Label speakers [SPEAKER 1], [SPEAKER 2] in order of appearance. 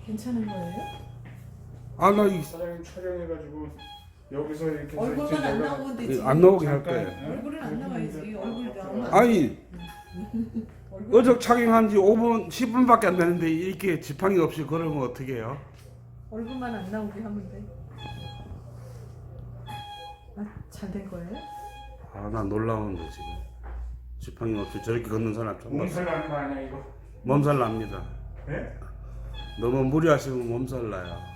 [SPEAKER 1] 괜찮은 거예요?
[SPEAKER 2] 아, 나
[SPEAKER 3] 사장님 촬영해가지고 여기서 이렇게
[SPEAKER 1] 얼굴만 안 나오면 되지.
[SPEAKER 2] 안 나오게 할
[SPEAKER 3] 잠깐,
[SPEAKER 2] 거예요.
[SPEAKER 1] 얼굴은 안 나와야지. 얼굴 나오면 안
[SPEAKER 2] 아니,
[SPEAKER 1] 얼굴
[SPEAKER 2] 어적 착용한 지 5분, 10분밖에 안 되는데 이렇게 지팡이 없이 걸으면 어떻게 해요?
[SPEAKER 1] 얼굴만 안 나오게 하면 돼. 아, 잘 된 거예요?
[SPEAKER 2] 아, 나 놀라운데 지금. 지팡이 없이 저렇게 걷는 사람 좀
[SPEAKER 3] 몸살 나는 거 아니야 이거?
[SPEAKER 2] 몸살 납니다.
[SPEAKER 3] 네?
[SPEAKER 2] 너무 무리하시면 몸살 나요.